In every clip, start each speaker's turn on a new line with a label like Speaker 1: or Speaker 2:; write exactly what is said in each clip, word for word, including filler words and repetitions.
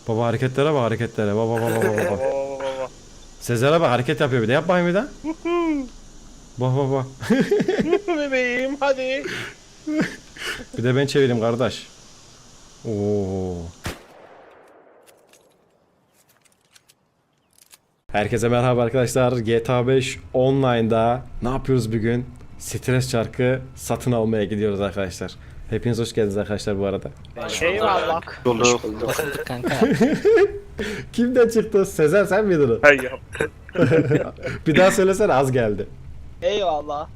Speaker 1: Baba hareketlere bak hareketlere. Baba baba baba baba.
Speaker 2: baba.
Speaker 1: Sezer'e bak hareket yapıyor bir de. Yap bakayım bir de. Bak bak bak.
Speaker 2: Bebeğim hadi.
Speaker 1: Bir de ben çevireyim kardeş. Oo. Herkese merhaba arkadaşlar. G T A beş Online'da ne yapıyoruz bugün? Stres çarkı satın almaya gidiyoruz arkadaşlar. Hepiniz hoş geldiniz arkadaşlar bu arada.
Speaker 2: Eyvallah.
Speaker 3: Bulduk.
Speaker 4: Kanka.
Speaker 1: Kimden çıktı? Sezer sen miydin o?
Speaker 2: Hay yap.
Speaker 1: Bir daha söylesene az geldi.
Speaker 2: Eyvallah.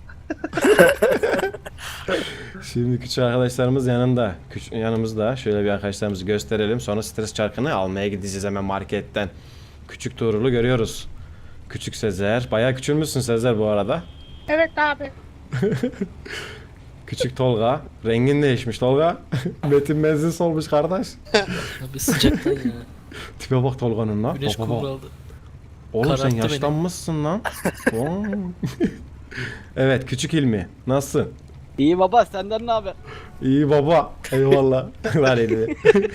Speaker 1: Şimdi küçük arkadaşlarımız yanında. Küçük, yanımızda. Şöyle bir arkadaşlarımızı gösterelim. Sonra stres çarkını almaya gideceğiz hemen marketten. Küçük Tuğrul'u görüyoruz. Küçük Sezer. Bayağı küçülmüşsün Sezer bu arada.
Speaker 2: Evet abi.
Speaker 1: Küçük Tolga. Rengin değişmiş Tolga. Metin benzin solmuş kardeş.
Speaker 4: Bir sıcaktan ya.
Speaker 1: Tipe bak Tolga'nın lan.
Speaker 4: Güneş
Speaker 1: Bak, bak, bak.
Speaker 4: kumraldı.
Speaker 1: Oğlum sen
Speaker 4: Kararttı beni.
Speaker 1: yaşlanmışsın lan. Oo. Evet küçük İlmi. Nasılsın?
Speaker 5: İyi baba, senden ne haber?
Speaker 1: İyi baba. Eyvallah. Ver elini.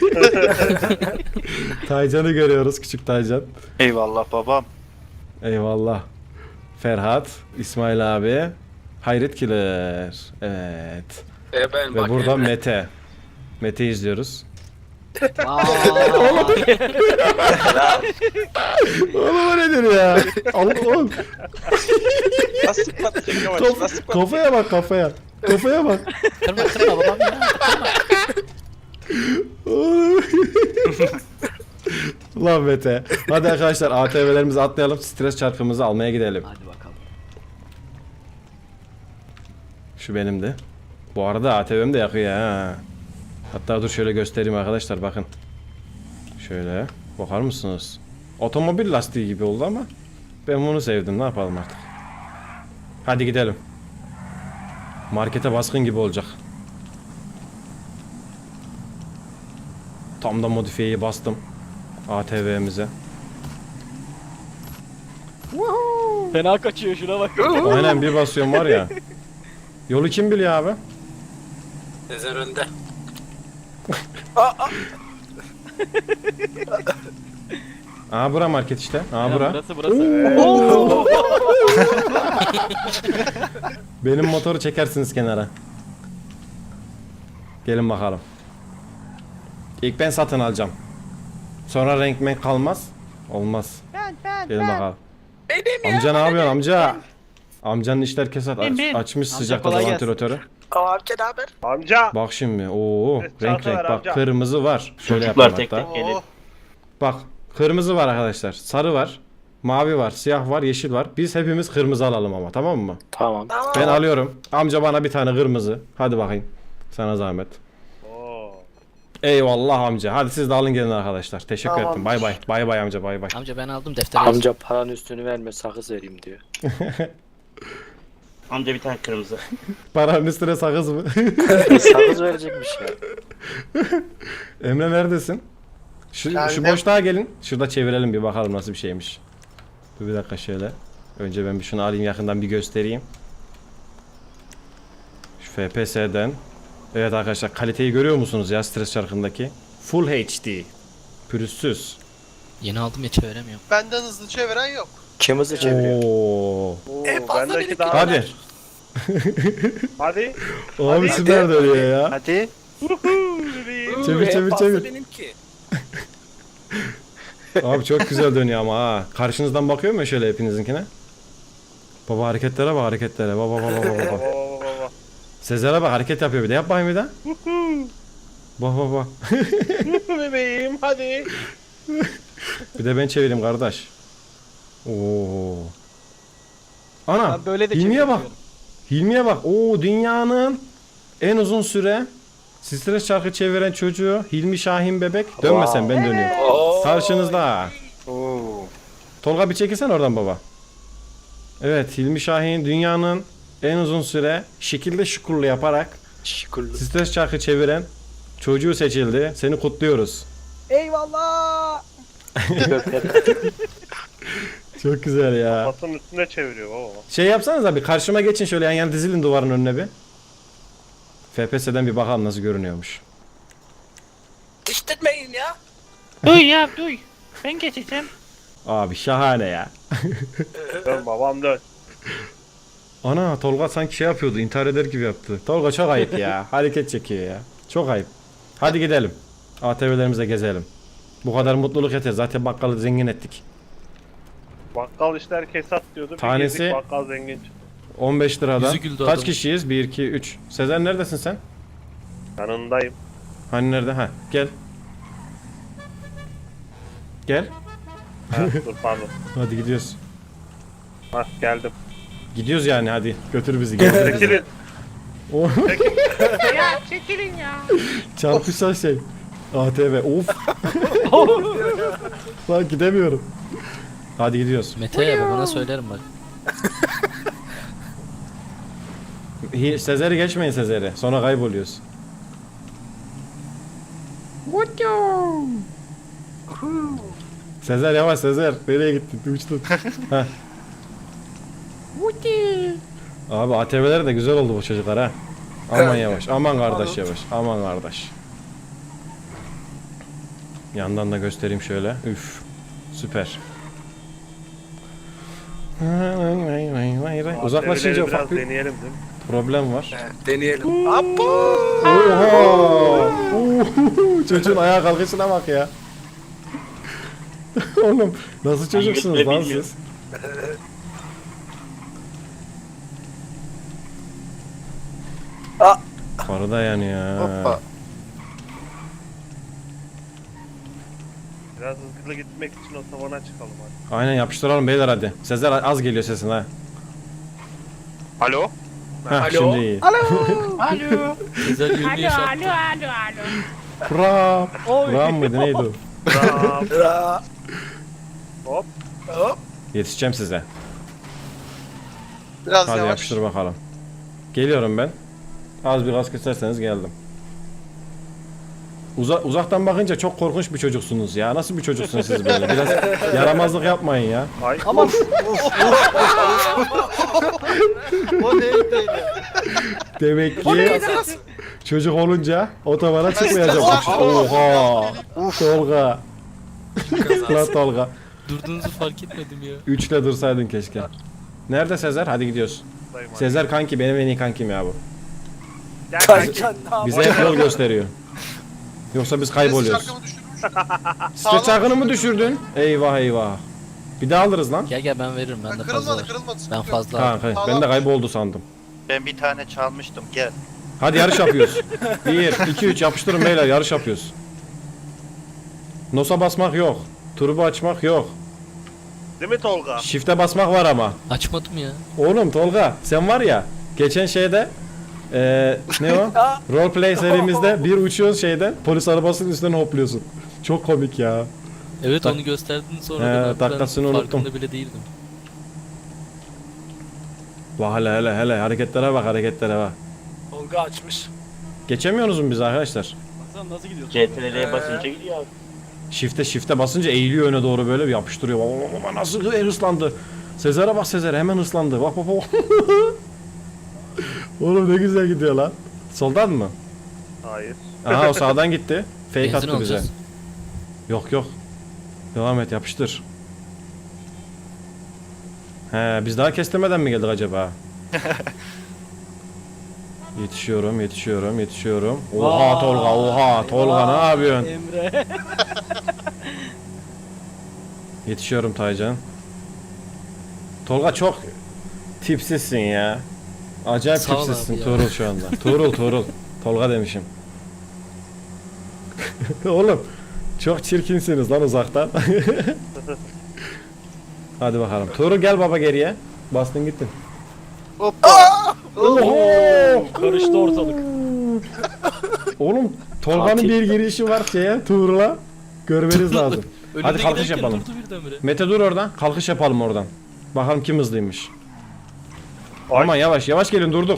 Speaker 1: Taycan'ı görüyoruz küçük Taycan.
Speaker 3: Eyvallah babam.
Speaker 1: Eyvallah. Ferhat, İsmail abi, Hayret Killer. Evet.
Speaker 3: E ben
Speaker 1: Ve burada Mete. Mete izliyoruz.
Speaker 5: Oğlum.
Speaker 1: Oğlum o nedir ya? Allah'ım.
Speaker 2: Nasıl patlayacak yavaş?
Speaker 1: Kaf-
Speaker 2: Nasıl patlayacak?
Speaker 1: kafaya bak kafaya. Kafaya bak.
Speaker 4: Kırma kırma babam ya.
Speaker 1: Oğlum. Lan Mete. Hadi arkadaşlar A T V'lerimizi atlayalım. Stres çarkımızı almaya gidelim.
Speaker 5: Hadi bakalım.
Speaker 1: Şu benimdi. Bu arada A T V'm de yakıyor ha. Hatta dur şöyle göstereyim arkadaşlar bakın. Şöyle bakar mısınız? Otomobil lastiği gibi oldu ama ben bunu sevdim, ne yapalım artık. Hadi gidelim. Markete baskın gibi olacak. Tam da modifiyeyi bastım A T V'mize.
Speaker 5: Fena kaçıyor, şuna bak.
Speaker 1: Aynen bir basıyorum var ya. Yolu kim biliyor abi?
Speaker 3: Sezer önde.
Speaker 1: Aa bura market işte. Aa bura.
Speaker 5: Burası burası.
Speaker 1: Benim motoru çekersiniz kenara. Gelin bakalım. İlk ben satın alacağım. Sonra renk menk kalmaz. Olmaz.
Speaker 2: Ben ben
Speaker 1: Gelin bakalım.
Speaker 3: Benim
Speaker 1: Amca ne yapıyorsun amca? Amcanın işler kesat aç,
Speaker 2: bin.
Speaker 1: açmış
Speaker 5: Amca
Speaker 1: sıcakta
Speaker 5: kolay gelsin.
Speaker 1: vantilatörü.
Speaker 3: Amca ne haber?
Speaker 2: Amca.
Speaker 1: Bak şimdi. Oo
Speaker 2: Evet,
Speaker 1: renk
Speaker 2: çanta
Speaker 1: renk
Speaker 2: ver
Speaker 1: bak
Speaker 2: amca.
Speaker 1: kırmızı var. Şöyle
Speaker 6: Çocuklar
Speaker 1: yapayım
Speaker 6: tek
Speaker 1: hatta.
Speaker 6: tek gelin.
Speaker 2: Oh.
Speaker 1: Bak kırmızı var arkadaşlar. Sarı var. Mavi var, siyah var, yeşil var. Biz hepimiz kırmızı alalım ama tamam mı?
Speaker 3: Tamam.
Speaker 1: Ben alıyorum. Amca bana bir tane kırmızı. Hadi bakayım. Sana zahmet.
Speaker 2: Oo.
Speaker 1: Eyvallah amca. Hadi siz de alın gelin arkadaşlar. Teşekkür
Speaker 3: Tamam.
Speaker 1: ettim. Bay bay. Bay bay amca bay bay.
Speaker 4: Amca ben aldım defteri. yazdım.
Speaker 3: Amca paranın üstünü verme sakız vereyim diyor.
Speaker 6: Amca bir tane kırmızı.
Speaker 1: Paranın üstüne sakız mı?
Speaker 3: Sakız verecekmiş ya.
Speaker 1: Emre neredesin? Şu, şu boşluğa gelin. Şurada çevirelim bir bakalım nasıl bir şeymiş. Dur bir dakika şöyle. Önce ben bir şunu alayım yakından bir göstereyim. Şu F P S'den. Evet arkadaşlar kaliteyi görüyor musunuz ya stres çarkındaki? Full H D. Pürüzsüz.
Speaker 4: Yeni aldım ya çeviremiyorum.
Speaker 7: Benden hızlı çeviren yok.
Speaker 3: Kim hızlı çeviriyor?
Speaker 1: Oo.
Speaker 2: Oo,
Speaker 3: En fazla
Speaker 2: bendeki
Speaker 3: bir
Speaker 2: daha.
Speaker 1: Hadi.
Speaker 2: Hadi.
Speaker 1: Abi
Speaker 2: Hadi.
Speaker 1: süper dönüyor ya.
Speaker 3: Hadi.
Speaker 2: Bebeğim.
Speaker 1: Çevir çevir çevir.
Speaker 3: benimki.
Speaker 1: Abi çok güzel dönüyor ama ha. Karşınızdan bakıyor mu şöyle hepinizinkine? Baba hareketlere bak hareketlere. Baba baba baba baba.
Speaker 2: Baba baba baba.
Speaker 1: Sezer'e bak hareket yapıyor bir de. Yap bakayım bir de. Bak bak bak.
Speaker 2: Bebeğim hadi.
Speaker 1: Bir de ben çevireyim kardeş. Oo. Ana.
Speaker 5: Ben böyle de
Speaker 1: Hilmi'ye bak.
Speaker 5: çeviriyorum.
Speaker 1: Hilmi'ye bak. Oo dünyanın en uzun süre stres çarkı çeviren çocuğu Hilmi Şahin bebek. Dönmesen ben dönüyorum.
Speaker 3: Oo.
Speaker 1: Karşınızda.
Speaker 3: Oo.
Speaker 1: Tolga bir çekilsen oradan baba. Evet Hilmi Şahin dünyanın en uzun süre şekilde şukurlu yaparak
Speaker 3: Şıkırlı.
Speaker 1: stres çarkı çeviren çocuğu seçildi. Seni kutluyoruz.
Speaker 5: Eyvallah.
Speaker 1: Çok güzel ya.
Speaker 2: Masanın üstünde çeviriyor baba.
Speaker 1: Şey yapsanız abi karşıma geçin şöyle yan yana dizilin duvarın önüne bir. F P S'den bir bakalım nasıl görünüyormuş.
Speaker 3: Diştirmeyin ya.
Speaker 2: Duy ya duy. Ben geçeceğim.
Speaker 1: Abi şahane ya.
Speaker 2: Dön babam dön.
Speaker 1: Ana Tolga sanki şey yapıyordu, intihar eder gibi yaptı. Tolga çok ayıp ya. Hareket çekiyor ya. Çok ayıp. Hadi gidelim. A T V'lerimize gezelim. Bu kadar mutluluk yeter. Zaten bakkalı zengin ettik.
Speaker 2: Bakkal işler kesat diyordu. Bir
Speaker 1: Tanesi-
Speaker 2: gezdik, bakkal zengin çıktı.
Speaker 1: on beş liradan.
Speaker 4: Yüzü güldü
Speaker 1: Kaç
Speaker 4: adamın.
Speaker 1: kişiyiz? bir, iki, üç. Sezer neredesin sen?
Speaker 2: Yanındayım.
Speaker 1: Hani nerede? Ha, gel. Gel.
Speaker 2: Ha, dur pardon.
Speaker 1: Hadi gidiyoruz.
Speaker 2: Hah geldim.
Speaker 1: Gidiyoruz yani hadi. Götür bizi. Gezdir bizi.
Speaker 2: Çekilin.
Speaker 1: O
Speaker 2: Ya çekilin ya.
Speaker 1: çarpışan şey. A T V. Of. Lan gidemiyorum. Hadi gidiyoruz.
Speaker 4: Mete babana söylerim bak.
Speaker 1: Hi- Sezer'i geçmeyin Sezer'i. Sonra kayboluyoruz. Sezer yavaş Sezer. Nereye gittin? Uçtun. Heh. Abi A T V'ler de güzel oldu bu çocuklar ha. Aman yavaş. Aman kardeş yavaş. Aman kardeş. Yandan da göstereyim şöyle. Üf. Süper. Uzaklaşınca
Speaker 2: Biraz
Speaker 1: ufak bir
Speaker 2: deneyelim değil mi?
Speaker 1: problem var.
Speaker 3: Deneyelim. Apo.
Speaker 1: Oha! Uhu! Çocuğun ayağa kalkışına bak ya. Oğlum nasıl çocuksunuz lan siz?
Speaker 3: Aa!
Speaker 1: Karı da yanıyor.
Speaker 3: Hoppa.
Speaker 2: Biraz hızlı gitmek için otobana çıkalım hadi.
Speaker 1: Aynen yapıştıralım beyler hadi. Sezer az geliyor sesin ha.
Speaker 2: Alo?
Speaker 1: Heh,
Speaker 3: Alo?
Speaker 1: şimdi iyi.
Speaker 2: Alo.
Speaker 4: Güzel yönünü yaşattı.
Speaker 2: alo alo.
Speaker 1: Prap. Prap mıydı neydi o?
Speaker 2: Bravo.
Speaker 3: Ra.
Speaker 2: Hop.
Speaker 3: Hop.
Speaker 1: Yetişeceğim size.
Speaker 6: Biraz
Speaker 1: Hadi
Speaker 6: yavaş.
Speaker 1: yapıştır bakalım. Geliyorum ben. Az bir gaz keserseniz geldim. Uza uzaktan bakınca çok korkunç bir çocuksunuz ya. Nasıl bir çocuksunuz siz böyle? Biraz yaramazlık yapmayın ya.
Speaker 2: Ay.
Speaker 5: Aman.
Speaker 6: O neydi öyle?
Speaker 1: Demek ki çocuk olunca otobana çıkmayacakmış. Oha! Tolga. Lan Tolga.
Speaker 4: Durduğunuzu fark etmedim ya.
Speaker 1: Üçle dursaydın keşke. Nerede Sezer? Hadi gidiyoruz. Sezer kanki benim en iyi kankim ya bu.
Speaker 2: Gel kanki.
Speaker 3: Kaçan ne
Speaker 1: Bize hep yol gösteriyor. Yoksa biz kayboluyoruz.
Speaker 6: Şarkımı düşürmüş.
Speaker 1: Stres çarkını mı düşürdün? Eyvah eyvah. Bir daha alırız lan.
Speaker 4: Gel gel ben veririm ben de fazla
Speaker 6: Kırılmadı
Speaker 4: var.
Speaker 6: kırılmadı.
Speaker 4: Ben
Speaker 6: sıkıntı yok.
Speaker 4: fazla aldım.
Speaker 1: Kanka ben de kayboldu sandım.
Speaker 7: Ben bir tane çalmıştım gel.
Speaker 1: Hadi yarış yapıyoruz. bir, iki, üç yapıştırın beyler yarış yapıyoruz. Nosa basmak yok. Turbo açmak yok.
Speaker 2: Değil mi Tolga?
Speaker 1: Shift'e basmak var ama.
Speaker 4: Açmadım ya.
Speaker 1: Oğlum Tolga sen var ya geçen şeyde eee ne o? Roleplay serimizde bir uçuyorsun şeyden polis arabasının üstünden hopluyorsun. Çok komik ya.
Speaker 4: Evet
Speaker 1: Tak-
Speaker 4: onu gösterdin sonra
Speaker 1: He,
Speaker 4: ben hatta
Speaker 1: dakikasını unuttum.
Speaker 4: farkında bile değildim.
Speaker 1: Bak hele hele hele hareketlere bak hareketlere bak.
Speaker 3: Tolga açmış.
Speaker 1: Geçemiyorsunuz mu biz arkadaşlar?
Speaker 5: Baksana nasıl gidiyorsun?
Speaker 7: C T R'ye basınca gidiyor abi.
Speaker 1: Shift'e shift'e basınca eğiliyor öne doğru böyle bir yapıştırıyor. Baba, baba, nasıl hırslandı. Sezer'e bak Sezer hemen hırslandı. Bak bak bak. Oğlum ne güzel gidiyor lan. Soldan mı?
Speaker 2: Hayır.
Speaker 1: Aha o sağdan gitti. Fake
Speaker 4: Benzin
Speaker 1: attı bize.
Speaker 4: alacağız.
Speaker 1: Yok yok. Devam et yapıştır. He biz daha kestirmeden mi geldik acaba? Yetişiyorum, yetişiyorum, yetişiyorum. Oha Tolga, oha Tolga ne yapıyorsun?
Speaker 5: Emre.
Speaker 1: Yetişiyorum Taycan. Tolga çok tipsizsin ya. Acayip
Speaker 4: Sağ ol
Speaker 1: tipsizsin
Speaker 4: abi ya.
Speaker 1: Tuğrul şu anda. Tuğrul, Tuğrul. Tolga demişim. Oğlum çok çirkinsiniz lan uzaktan. Hadi bakalım. Tuğrul gel baba geriye. Bastın gittin.
Speaker 6: Hoppa.
Speaker 1: Oho!
Speaker 5: Karıştı ortalık.
Speaker 1: Oğlum Tolga'nın
Speaker 4: Katil.
Speaker 1: bir girişi var şeye Tuğrul'a. Görmeniz lazım.
Speaker 4: Önüne
Speaker 1: Hadi kalkış
Speaker 4: giderken
Speaker 1: yapalım.
Speaker 4: Durdu birdenbire.
Speaker 1: Mete dur oradan. Kalkış yapalım oradan. Bakalım kim hızlıymış.
Speaker 2: Ay.
Speaker 1: Aman yavaş yavaş gelin durduk.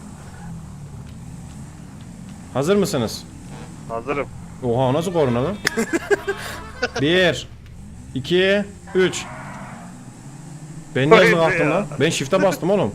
Speaker 1: Hazır mısınız?
Speaker 2: Hazırım.
Speaker 1: Oha o nasıl korna lan? Bir, iki, üç. Ben niye hızlı
Speaker 2: Vay be
Speaker 1: kalktım
Speaker 2: ya.
Speaker 1: lan? Ben shift'e bastım oğlum.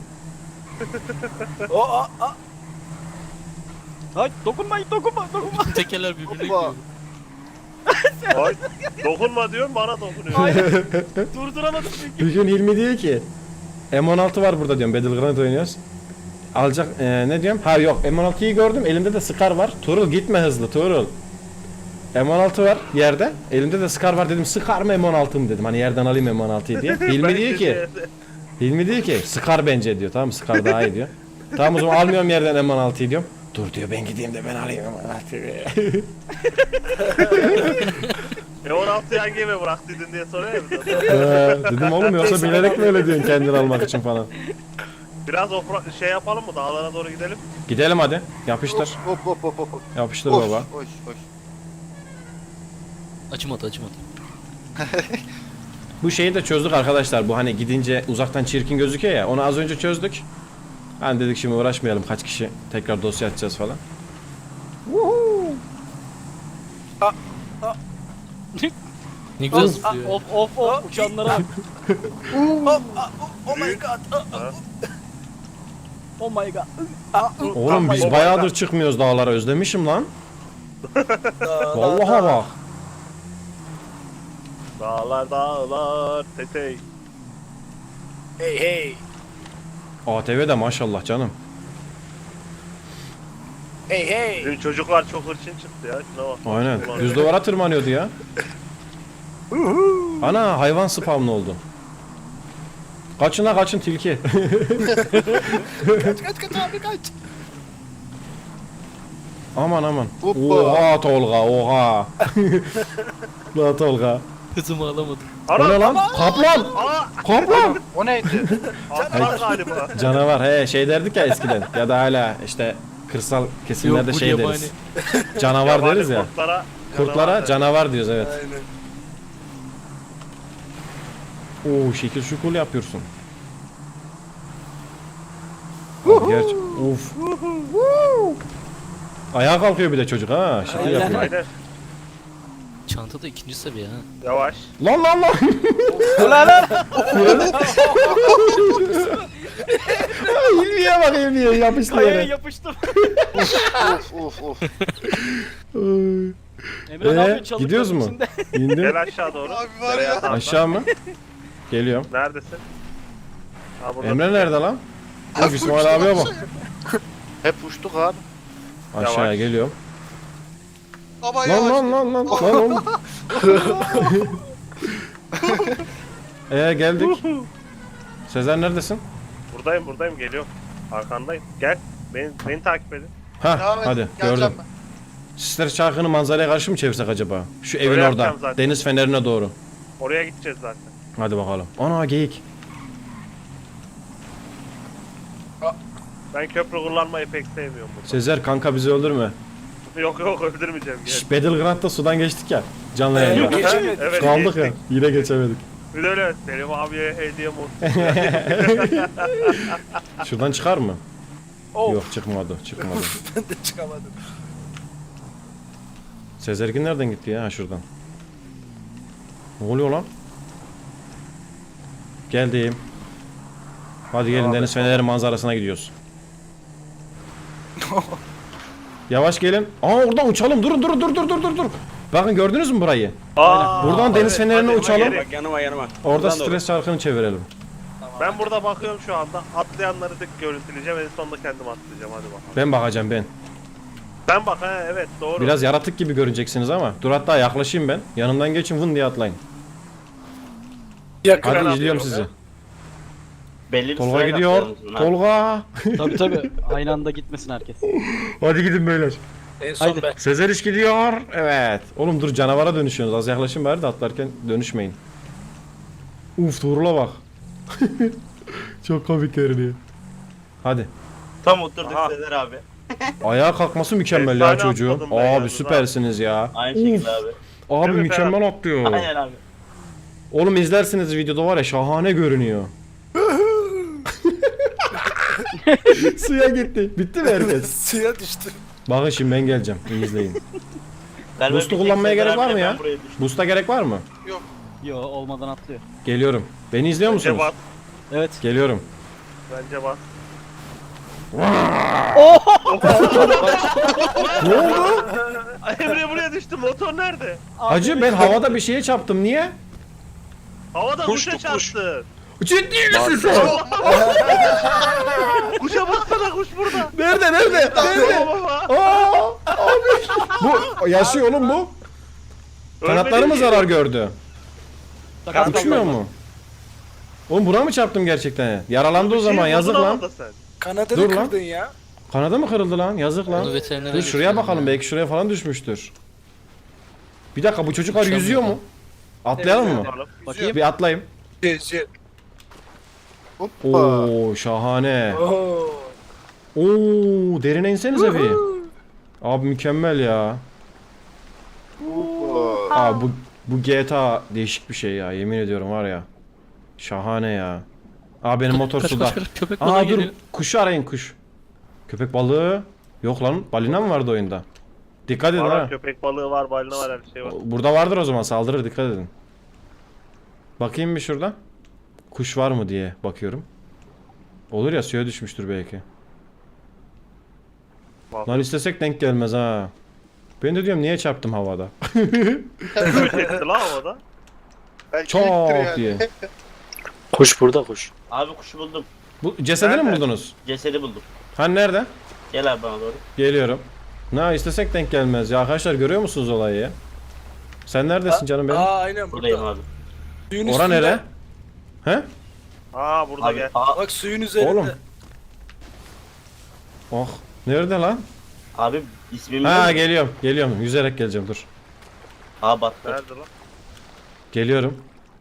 Speaker 3: O a, a.
Speaker 5: Hay dokunmayın dokunma dokunma.
Speaker 4: Tekerler birbirine
Speaker 6: Hoppa.
Speaker 4: giriyor.
Speaker 2: Ay, dokunma diyorum bana dokunuyor.
Speaker 5: Hayır. Durduramadım çünkü.
Speaker 1: Bir gün Hilmi diyor ki M on altı var burada diyorum, Battleground oynuyoruz. Alacak e, ne diyorum? Ha yok, M on altıyı gördüm, elimde de Scar var. Tuğrul gitme hızlı Tuğrul. M on altı var yerde, elimde de Scar var, dedim Scar mı M on altı mı dedim, hani yerden alayım M on altıyı diye. Hilmi
Speaker 2: Ben
Speaker 1: diyor ki
Speaker 2: de-
Speaker 1: Hilmi diyor ki Scar bence diyor, tamam mı? Scar daha iyi diyor. Tamam o zaman almıyorum yerden M on altıyı diyorum. Dur diyor, ben gideyim de ben alayım M on altıyı.
Speaker 2: E on altı yan gemi bıraktıydın diye soruyor ya bize.
Speaker 1: Ee, dedim oğlum yoksa bilerek mi öyle diyorsun kendini almak için falan.
Speaker 2: Biraz ofra şey yapalım mı? Dağlara doğru gidelim.
Speaker 1: Gidelim hadi, yapıştır.
Speaker 6: Hop hop hop hop. hop.
Speaker 1: Yapıştır
Speaker 6: Hoş,
Speaker 1: baba.
Speaker 6: hoş hoş.
Speaker 4: Açmadı açmadı.
Speaker 1: Bu şeyi de çözdük arkadaşlar. Bu hani gidince uzaktan çirkin gözüküyor ya. Onu az önce çözdük. Hani dedik şimdi uğraşmayalım, kaç kişi tekrar dosya açacağız falan.
Speaker 4: Ne güzel
Speaker 5: Ah,
Speaker 4: zıplıyor.
Speaker 5: Of of of uçanlara bak.
Speaker 3: Hop, ah, oh my god. Ah, ah.
Speaker 5: Oh my god.
Speaker 1: Oğlum biz
Speaker 2: Baba,
Speaker 1: bayağıdır
Speaker 2: baba.
Speaker 1: çıkmıyoruz dağlara, özlemişim lan.
Speaker 3: Da,
Speaker 1: Vallahi
Speaker 3: da, da.
Speaker 1: bak.
Speaker 2: Dağlar dağlar tetey.
Speaker 3: Hey hey.
Speaker 1: A T V de maşallah canım.
Speaker 3: Hey hey.
Speaker 2: Bizim çocuklar çok hırçın çıktı ya. Şuna bak.
Speaker 1: Aynen.
Speaker 2: Ulan.
Speaker 1: Düz duvara tırmanıyordu ya. Ana hayvan spawn oldu. Kaçın la kaçın tilki.
Speaker 3: Kaç kaç kaç abi kaç.
Speaker 1: Aman aman.
Speaker 6: Hoppa.
Speaker 1: Oha Tolga oha. La Tolga.
Speaker 4: Hızımı alamadım.
Speaker 1: O ne
Speaker 2: Ana!
Speaker 1: lan? Kaplan.
Speaker 2: Aa!
Speaker 1: Kaplan.
Speaker 6: O neydi?
Speaker 2: Atlar galiba.
Speaker 1: Canavar he şey derdik ya eskiden ya da hala işte kırsal kesimlerde
Speaker 4: Yok, bu
Speaker 1: şey
Speaker 4: yabani.
Speaker 1: deriz. Canavar
Speaker 2: Yabani
Speaker 1: deriz ya.
Speaker 2: Kurtlara,
Speaker 1: Kurtlara canavar diyoruz evet.
Speaker 3: Aynen.
Speaker 1: Oo şekil şukul yapıyorsun. Abi gerçi uf. Ayağa kalkıyor bir de çocuk ha şekil
Speaker 5: Aynen.
Speaker 1: yapıyor.
Speaker 2: Aynen.
Speaker 4: Çanta da ikinci seviye ha.
Speaker 2: Yavaş.
Speaker 1: Lan lan lan.
Speaker 5: Ulan lan.
Speaker 1: İlmiye bak ilmiye yapıştı
Speaker 5: Kayaya
Speaker 1: yere.
Speaker 5: yapıştım.
Speaker 6: Of of of.
Speaker 5: Emre ne
Speaker 1: Ee,
Speaker 5: yapıyorsun? Çalık
Speaker 1: gidiyoruz
Speaker 5: çalık
Speaker 1: mu?
Speaker 5: içinde.
Speaker 1: İndim.
Speaker 2: Gel aşağı doğru.
Speaker 6: Abi var ya.
Speaker 2: Atla.
Speaker 1: Aşağı mı? Geliyorum.
Speaker 2: Neredesin? Ha, burada.
Speaker 1: Emre nerede lan? Of İsmail abiye bak.
Speaker 6: Hep uçtuk abi.
Speaker 1: Aşağıya
Speaker 2: Yavaş.
Speaker 1: geliyorum.
Speaker 6: Ama
Speaker 1: Lan
Speaker 6: yavaş.
Speaker 1: lan lan lan lan oğlum. Ee geldik. Sezer neredesin?
Speaker 2: Buradayım buradayım geliyorum. Arkandayım. Gel. Beni, beni takip edin.
Speaker 1: Ha
Speaker 6: Devam et,
Speaker 1: hadi
Speaker 6: geleceğim
Speaker 1: gördüm.
Speaker 6: ben.
Speaker 1: Sister Çarkı'nı manzaraya karşı mı çevirsek acaba? Şu evin
Speaker 2: Öyle
Speaker 1: orada.
Speaker 2: yapacağım zaten.
Speaker 1: Deniz fenerine doğru.
Speaker 2: Oraya gideceğiz zaten.
Speaker 1: Hadi bakalım. Ana geyik.
Speaker 2: Ben köprü kullanmayı pek sevmiyorum burada.
Speaker 1: Sezer kanka bizi öldürme.
Speaker 2: Yok yok öldürmeyeceğim. Gel.
Speaker 1: Şş, Battleground'da sudan geçtik ya. Canlı
Speaker 3: Yok
Speaker 1: yayında.
Speaker 3: geçemedik.
Speaker 2: Evet,
Speaker 1: Kaldık ya.
Speaker 2: geçtik.
Speaker 1: Yine geçemedik.
Speaker 2: Bir de öyle Selim abiye hediye olsun.
Speaker 1: Şuradan çıkar mı?
Speaker 3: Of.
Speaker 1: Yok çıkmadı. Çıkmadı.
Speaker 3: Ben de çıkamadım.
Speaker 1: Sezergin nereden gitti ya? Ha şuradan. Ne oluyor lan? Geldim. Hadi gelin
Speaker 2: Devam
Speaker 1: deniz
Speaker 2: et.
Speaker 1: feneri manzarasına gidiyoruz. Yavaş gelin. Aa oradan uçalım. Durun durun dur dur dur dur dur. Bakın gördünüz mü burayı?
Speaker 2: Aa,
Speaker 1: Buradan deniz fenerine
Speaker 2: hadi,
Speaker 1: uçalım.
Speaker 2: hadi.
Speaker 5: Bak yanıma yanıma.
Speaker 1: Orada
Speaker 5: Buradan doğru.
Speaker 1: stres çarkını çevirelim.
Speaker 2: Ben burada bakıyorum şu anda. Atlayanları tek görüntüleyeceğim. En sonunda kendim atlayacağım. Hadi bakalım.
Speaker 1: Ben bakacağım ben.
Speaker 2: Ben bak ha evet doğru.
Speaker 1: Biraz yaratık gibi görüneceksiniz ama. Dur hatta yaklaşayım ben. Yanımdan geçin vın diye atlayın.
Speaker 3: Yakın.
Speaker 1: Hadi
Speaker 2: atlıyorum
Speaker 1: izliyorum
Speaker 2: ya.
Speaker 1: sizi.
Speaker 7: Belli bir
Speaker 1: Tolga
Speaker 7: sırayla
Speaker 1: gidiyor.
Speaker 7: atlayalım.
Speaker 1: Tolga.
Speaker 5: Tabii tabii. Aynı anda gitmesin herkes.
Speaker 1: Hadi gidin beyler.
Speaker 3: En son
Speaker 5: Haydi.
Speaker 3: ben.
Speaker 1: Sezer iş gidiyor. Evet. Oğlum dur canavara dönüşüyorsunuz. Az yaklaşın bari de atlarken dönüşmeyin. Uf Tuğrul'a bak. Çok komik görünüyor. Hadi.
Speaker 7: Tam oturduk
Speaker 2: Aha.
Speaker 7: Sezer abi.
Speaker 1: Ayağa kalkması mükemmel ya
Speaker 2: Efsane
Speaker 1: çocuğun.
Speaker 2: atladım ben
Speaker 1: Abi
Speaker 2: yalnız
Speaker 1: süpersiniz ya.
Speaker 7: Aynı
Speaker 1: Uf,
Speaker 7: şekilde abi.
Speaker 1: abi
Speaker 2: Değil mi
Speaker 1: mükemmel atlıyor.
Speaker 7: Aynen abi.
Speaker 1: Oğlum izlersiniz videoda var ya şahane görünüyor. Suya gitti. Bitti mi herkes?
Speaker 3: Suya düştü.
Speaker 1: Bakın şimdi ben geleceğim. İyi izleyin.
Speaker 7: Galiba
Speaker 1: Boost'u
Speaker 7: bir tek
Speaker 1: kullanmaya
Speaker 7: Sezer
Speaker 1: gerek var
Speaker 7: abiyle
Speaker 1: mı ya?
Speaker 7: ben buraya düştüm.
Speaker 1: Boost'a gerek var mı?
Speaker 5: Yo olmadan atlıyor.
Speaker 1: Geliyorum. Beni izliyor
Speaker 2: Bence
Speaker 1: musunuz?
Speaker 2: bas.
Speaker 5: Evet.
Speaker 1: Geliyorum.
Speaker 2: Bence bas.
Speaker 1: Ne oldu?
Speaker 2: Ay, Emre buraya düştü. Motor nerede?
Speaker 1: Hacı ben havada bir şeye çarptım. Niye?
Speaker 2: Havada
Speaker 6: Kuştu,
Speaker 2: kuşa
Speaker 6: kuş.
Speaker 2: çarptı.
Speaker 1: Ciddi misin sen?
Speaker 2: Kuşa baksana, kuş burada.
Speaker 1: Nerede nerede? Nerede?
Speaker 2: Baba.
Speaker 1: Aa, abi. Bu yaşıyor oğlum bu. Kanatları mı
Speaker 2: Ölmedi ki.
Speaker 1: zarar gördü?
Speaker 5: Sakat
Speaker 1: Uçmuyor
Speaker 5: kaldı.
Speaker 1: mu? Oğlum buna mı çarptım gerçekten? Yaralandı o
Speaker 2: Bir şey
Speaker 1: zaman,
Speaker 2: buldun
Speaker 1: yazık
Speaker 2: ama
Speaker 1: lan.
Speaker 2: da sen.
Speaker 3: Kanadını
Speaker 1: Dur lan.
Speaker 3: kırdın ya.
Speaker 1: Kanadı mı kırıldı lan? Yazık
Speaker 4: Onu
Speaker 1: lan.
Speaker 4: veterinere
Speaker 1: Dur şuraya
Speaker 4: götürelim
Speaker 1: bakalım,
Speaker 4: ya.
Speaker 1: belki şuraya falan düşmüştür. Bir dakika, bu çocuklar
Speaker 4: Uçamıyor
Speaker 1: yüzüyor
Speaker 4: lan.
Speaker 1: mu? Atlayalım mı?
Speaker 2: Bakalım.
Speaker 5: Bakayım.
Speaker 1: Bir atlayayım.
Speaker 3: Gezi.
Speaker 6: Hoppa.
Speaker 1: Oo şahane.
Speaker 3: Oo.
Speaker 1: Oo derine insenize bir. Abi mükemmel ya.
Speaker 6: Hoppa.
Speaker 1: Abi bu bu G T A değişik bir şey ya, yemin ediyorum var ya. Şahane ya. Abi benim motor
Speaker 4: Kaç,
Speaker 1: suda.
Speaker 4: kaç, kaç, köpek balığı
Speaker 1: Aa dur,
Speaker 4: geliyor.
Speaker 1: kuşu arayın, kuş. Köpek balığı. Yok lan, balina mı vardı oyunda? Dikkat edin
Speaker 2: Var,
Speaker 1: ha.
Speaker 2: köpek balığı var, balina var, her şey var.
Speaker 1: Burada vardır o zaman, saldırır, dikkat edin. Bakayım bir şurada. Kuş var mı diye bakıyorum. Olur ya, suya düşmüştür belki.
Speaker 2: Bak.
Speaker 1: Lan istesek denk gelmez ha. Ben de diyorum niye çarptım havada.
Speaker 2: Kuş etti lan havada.
Speaker 6: Belki
Speaker 1: Çok
Speaker 6: ittir yani.
Speaker 1: diye.
Speaker 7: Kuş burada kuş. Abi kuşu buldum.
Speaker 1: Bu cesedini mi
Speaker 2: Nerede?
Speaker 1: buldunuz?
Speaker 7: Cesedi buldum.
Speaker 1: Hani nerede?
Speaker 7: Gel abi bana doğru.
Speaker 1: Geliyorum. Ne istesek denk gelmez ya arkadaşlar, görüyor musunuz olayı ya? Sen neredesin canım benim?
Speaker 3: Aa aynen
Speaker 7: Buradayım
Speaker 3: burada.
Speaker 7: abi.
Speaker 3: Suyun
Speaker 1: Ora
Speaker 3: üstünde.
Speaker 1: nere? He?
Speaker 2: Aa burada
Speaker 7: Abi
Speaker 2: gel.
Speaker 7: aa,
Speaker 3: Bak suyun üzerinde.
Speaker 1: Oğlum. Oh. Nerede lan?
Speaker 7: abi ismim
Speaker 1: Ha
Speaker 7: ne?
Speaker 1: geliyorum. Geliyorum. Yüzerek geleceğim, dur.
Speaker 7: Aa battı.
Speaker 2: Nerede lan?
Speaker 1: Geliyorum.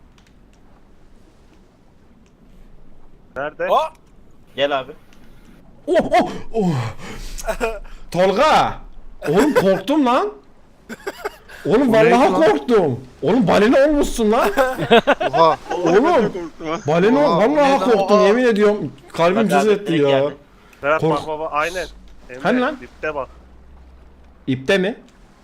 Speaker 2: Nerede?
Speaker 3: Aa,
Speaker 7: Gel abi.
Speaker 1: Oh oh oh. Tolga. Oğlum korktum lan. Oğlum vallahi korktum. Oğlum balina olmuşsun lan.
Speaker 6: Oha.
Speaker 1: Oğlum. Balina ol.
Speaker 6: Oha,
Speaker 1: Vallahi
Speaker 6: o ne lan?
Speaker 1: korktum,
Speaker 6: Oha.
Speaker 1: yemin ediyorum. Kalbim
Speaker 7: Bak
Speaker 1: cız
Speaker 7: abi,
Speaker 1: etti
Speaker 7: direkt
Speaker 1: ya.
Speaker 7: geldi.
Speaker 2: Ferhat
Speaker 1: Kork-
Speaker 2: bak baba, aynen. Emre,
Speaker 1: Hani lan?
Speaker 2: Dipte bak.
Speaker 1: İpte mi?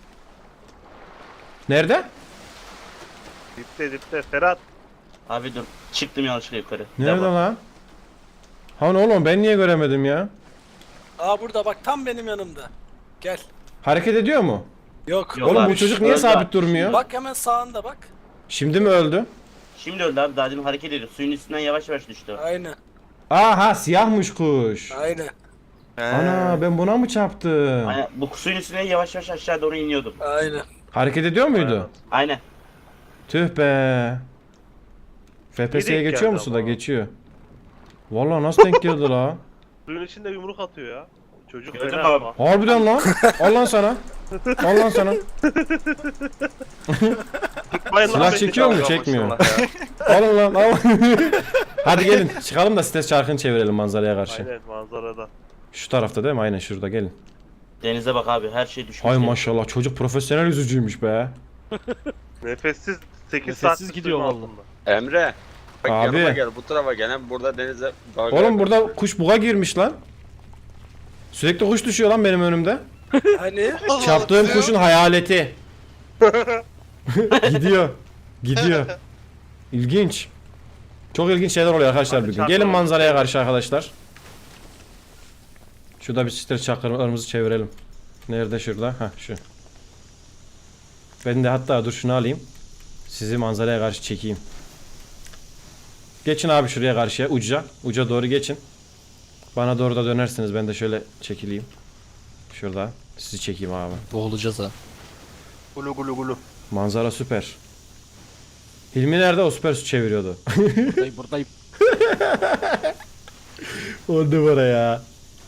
Speaker 1: Nerede?
Speaker 2: Dipte dipte Ferhat.
Speaker 7: Abi dur. Çıktım yanlışlıkla yukarı.
Speaker 1: Nerede
Speaker 7: Devam.
Speaker 1: lan? Hani oğlum ben niye göremedim ya?
Speaker 3: aa burada bak tam benim yanımda. Gel.
Speaker 1: Hareket ediyor mu?
Speaker 3: Yok.
Speaker 7: Yok
Speaker 1: Oğlum
Speaker 7: abi,
Speaker 1: bu çocuk niye
Speaker 7: öldü
Speaker 1: sabit
Speaker 7: abi.
Speaker 1: durmuyor?
Speaker 3: Bak hemen sağında bak.
Speaker 1: Şimdi mi öldü?
Speaker 7: Şimdi öldü abi, daha demin hareket ediyor. Suyun üstünden yavaş yavaş düştü. o.
Speaker 3: Aynen.
Speaker 1: Aha siyahmış kuş.
Speaker 3: Aynen.
Speaker 1: Ana ben buna mı çarptım?
Speaker 7: Aynen, bu suyun üstüne yavaş yavaş aşağı doğru iniyordum.
Speaker 3: Aynen.
Speaker 1: Hareket ediyor muydu?
Speaker 7: Aynen.
Speaker 1: Tüh be. F P S'ye
Speaker 2: Biri
Speaker 1: geçiyor
Speaker 2: geldi
Speaker 1: musun da
Speaker 2: ama.
Speaker 1: geçiyor. Vallahi nasıl denk geldi la?
Speaker 2: Suyun içinde yumruk atıyor ya. Çocuk
Speaker 7: Gördün
Speaker 2: fena
Speaker 7: mü abi?
Speaker 2: ama.
Speaker 1: Harbiden lan. Al lan sana. Al lan sana.
Speaker 2: Bayılır
Speaker 1: Silah
Speaker 2: abi.
Speaker 1: çekiyor mu? Çekmiyor. Alın lan al. Hadi gelin çıkalım da stres çarkını çevirelim manzaraya karşı.
Speaker 2: Aynen, manzarada.
Speaker 1: Şu tarafta değil mi? Aynen şurada, gelin.
Speaker 7: Denize bak abi, her şey düşmüş.
Speaker 1: Hay
Speaker 7: denize.
Speaker 1: maşallah, çocuk profesyonel yüzücüymüş be.
Speaker 2: Nefessiz sekiz
Speaker 5: Nefessiz
Speaker 2: saat
Speaker 5: gidiyor
Speaker 2: suyun
Speaker 5: vallahi.
Speaker 2: altında.
Speaker 8: Emre. Bak
Speaker 1: Abi.
Speaker 8: yanıma gel, bu tarafa gel. Hem burada denize dalga
Speaker 1: Oğlum burada kuş buga girmiş lan. Sürekli kuş düşüyor lan benim önümde.
Speaker 3: Hani?
Speaker 1: Çarptığım kuşun hayaleti. Gidiyor. Gidiyor. İlginç. Çok ilginç şeyler oluyor arkadaşlar
Speaker 2: Hadi
Speaker 1: bugün.
Speaker 2: çarpalım.
Speaker 1: Gelin manzaraya karşı arkadaşlar. Şurada bir stres çakırlarımızı çevirelim. Nerede şurada? Ha şu. Ben de hatta dur şunu alayım. Sizi manzaraya karşı çekeyim. Geçin abi şuraya karşıya, uca. Uca doğru geçin. Bana doğru da dönersiniz. Ben de şöyle çekileyim. Şurada. Sizi çekeyim abi.
Speaker 4: Boğulacağız ha.
Speaker 6: Gulu gulu gulu.
Speaker 1: Manzara süper. Hilmi nerede? O süper su çeviriyordu.
Speaker 5: Buradayım buradayım.
Speaker 1: On numara ya.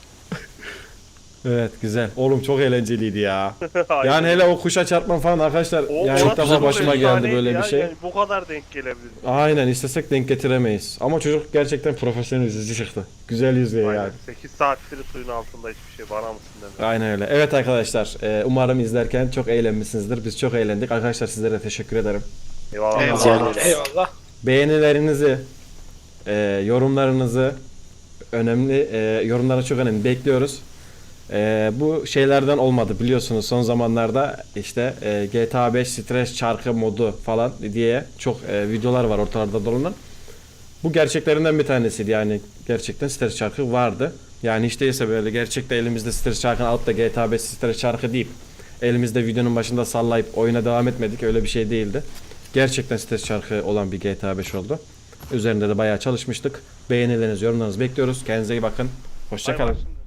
Speaker 1: Evet güzel. Oğlum çok eğlenceliydi ya.
Speaker 2: Aynen.
Speaker 1: Yani hele o kuşa çarpman falan arkadaşlar.
Speaker 2: O-
Speaker 1: yani
Speaker 2: o
Speaker 1: ilk defa
Speaker 2: nasıl
Speaker 1: başıma
Speaker 2: bir
Speaker 1: geldi
Speaker 2: efsaneydi
Speaker 1: böyle
Speaker 2: ya,
Speaker 1: bir şey.
Speaker 2: yani bu kadar denk gelebilir.
Speaker 1: Aynen, istesek denk getiremeyiz. Ama çocuk gerçekten profesyonel yüzücü çıktı. Güzel yüzüyor
Speaker 2: Aynen.
Speaker 1: yani.
Speaker 2: sekiz saattir suyun altında hiçbir şey, bana mısın demiyor.
Speaker 1: Aynen öyle. Evet arkadaşlar, e, umarım izlerken çok eğlenmişsinizdir. Biz çok eğlendik. Arkadaşlar sizlere de teşekkür ederim.
Speaker 2: Eyvallah.
Speaker 6: Eyvallah.
Speaker 3: Eyvallah.
Speaker 1: Beğenilerinizi, e, yorumlarınızı, önemli e, yorumlara çok önemli bekliyoruz. E, bu şeylerden olmadı biliyorsunuz, son zamanlarda işte e, G T A beş stres çarkı modu falan diye çok e, videolar var ortalarda dolanan. Bu gerçeklerinden bir tanesiydi, yani gerçekten stres çarkı vardı. Yani hiç değilse böyle gerçekte elimizde stres çarkını alıp da G T A beş stres çarkı deyip elimizde videonun başında sallayıp oyuna devam etmedik. Öyle bir şey değildi. Gerçekten stres çarkı olan bir G T A beş oldu. Üzerinde de bayağı çalışmıştık. Beğenilerinizi, yorumlarınızı bekliyoruz. Kendinize iyi bakın. Hoşça
Speaker 2: Ay
Speaker 1: kalın.
Speaker 2: var şimdi.